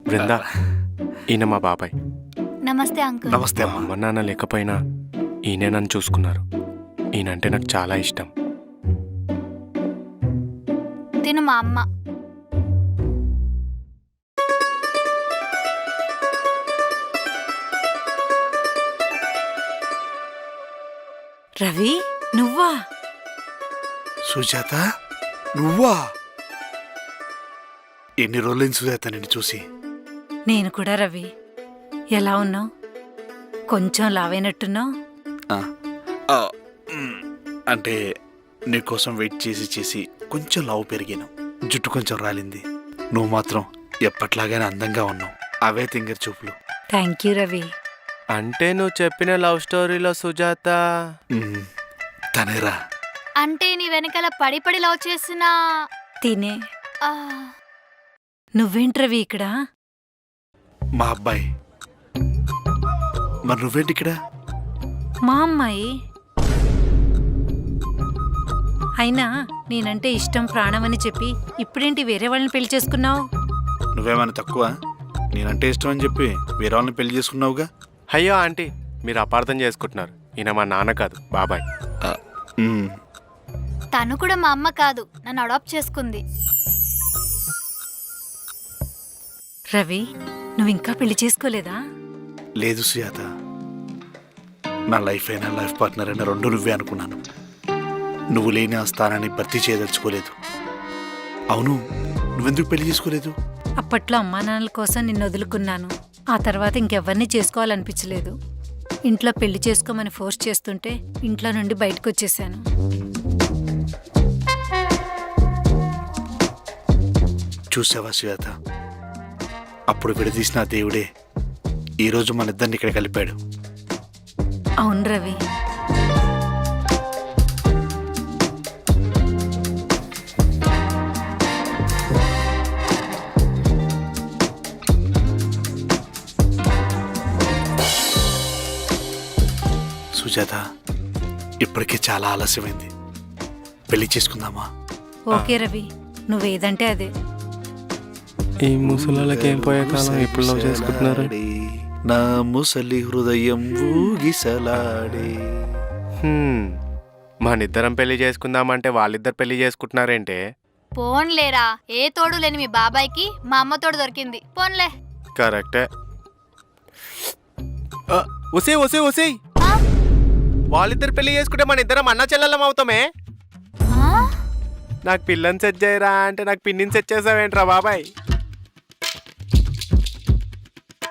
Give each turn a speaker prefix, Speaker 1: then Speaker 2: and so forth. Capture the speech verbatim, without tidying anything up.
Speaker 1: బృందా, ఈయన మా బాబాయ్.
Speaker 2: నమస్తే అంకుల్.
Speaker 3: నమస్తే
Speaker 1: మా అమ్మ నాన్న లేకపోయినా ఈయనే నన్ను చూసుకున్నారు. ఈయనంటే నాకు చాలా ఇష్టం.
Speaker 2: తిను మా అమ్మ.
Speaker 4: రవి, నువ్వా?
Speaker 3: సుజాత, నువ్వా? ఎన్ని రోజులైంది సుజాత నిన్ను చూసి?
Speaker 4: నేను కూడా రవి. ఎలా ఉన్నావు? కొంచెం లావైనట్టున్నావు.
Speaker 3: అంటే నీకోసం వెయిట్ చేసి చేసి కొంచెం లావు పెరిగాను, జుట్టు కొంచెం రాలింది. నువ్వు మాత్రం ఎప్పట్లాగానే అందంగా ఉన్నావు. అవే తింగర్ చూపులు.
Speaker 4: Thank you Ravi.
Speaker 1: అంటే నువ్వు చెప్పిన లవ్ స్టోరీలో సుజాత
Speaker 3: మ్, తనేరా.
Speaker 2: అంటే నీ వెనకాల పడి పడి లవ్ చేసిన
Speaker 4: తినే.
Speaker 2: ఆ,
Speaker 4: నువ్వేంటి రవి ఇక్కడ?
Speaker 3: మా అబ్బాయి. మరి నువ్వేంటి ఇక్కడ?
Speaker 4: మా అమ్మాయి. అయినా నేనంటే ఇష్టం ప్రాణం అని చెప్పి ఇప్పుడేంటి వేరే వాళ్ళని పెళ్లి చేసుకున్నావు?
Speaker 3: నువ్వేమైనా తక్కువ? నేనంటే ఇష్టం అని చెప్పి వేరే వాళ్ళని పెళ్లి చేసుకున్నావుగా.
Speaker 1: అయ్యో ఆంటీ, మీరు అపార్థం చేసుకుంటున్నారు. ఈయన మా నాన్న కాదు, బాబాయ్.
Speaker 3: ఆ, మ్,
Speaker 2: తను కూడా మా అమ్మ కాదు, నన్ను అడాప్ట్ చేసుకుంది.
Speaker 4: రవి, నువ్వు ఇంకా పెళ్లి చేసుకోలేదా?
Speaker 3: లేదు సుజాత, నా లైఫ్ అయినా లైఫ్ పార్ట్నర్ అయినా రెండు నువ్వే అనుకున్నాను. నువ్వు లేని ఆ స్థానాన్ని భర్తీ చేయదలుచుకోలేదు. అవును, నువ్వెందుకు పెళ్లి చేసుకోలేదు?
Speaker 4: అప్పట్లో అమ్మా నాన్నల కోసం నిన్ను వదులుకున్నాను. ఆ తర్వాత ఇంకెవరిని చేసుకోవాలనిపించలేదు. ఇంట్లో పెళ్లి చేసుకోమని ఫోర్స్ చేస్తుంటే ఇంట్లో నుండి బయటకు వచ్చేసాను.
Speaker 3: చూసావా సుజాత, అప్పుడు విడదీసిన ఆ దేవుడే ఈరోజు మన ఇద్దరిని ఇక్కడ కలిపాడు.
Speaker 4: అవును రవి.
Speaker 3: సుజాత, ఇప్పటికే చాలా ఆలస్యమైంది. పెళ్లి చేసుకుందామా?
Speaker 4: ఓకే రవి, నువ్వేదంటే అదే.
Speaker 1: ఈ ముసలాళ్ళకి ఏం పోయే కాలం ఇప్పుడు లవ్ చేసుకుంటున్నారు.
Speaker 3: నా ముసలి హృదయం ఊగిసలాడే.
Speaker 1: హ్మ్, మనిద్దరం పెళ్లి చేసుకుందామంటే వాళ్ళిద్దరు పెళ్లి చేసుకుంటున్నారేంటే?
Speaker 2: పోన్లేరా, ఏ తోడు లేని మీ బాబాయ్కి మా అమ్మ తోడు దొరికింది. పోన్లే.
Speaker 1: కరెక్టే. ఒసే ఒసే ఒసే,
Speaker 2: ఆ?
Speaker 1: వాళ్ళిద్దరు పెళ్లి చేసుకుంటే మన ఇద్దరం అన్న చెల్లెలం అవుతామే.
Speaker 2: ఆ?
Speaker 1: నాకు పిల్లని సెట్ చేయరా అంటే నాకు పిన్నిని సెట్ చేసావేంట్రా బాబాయ్?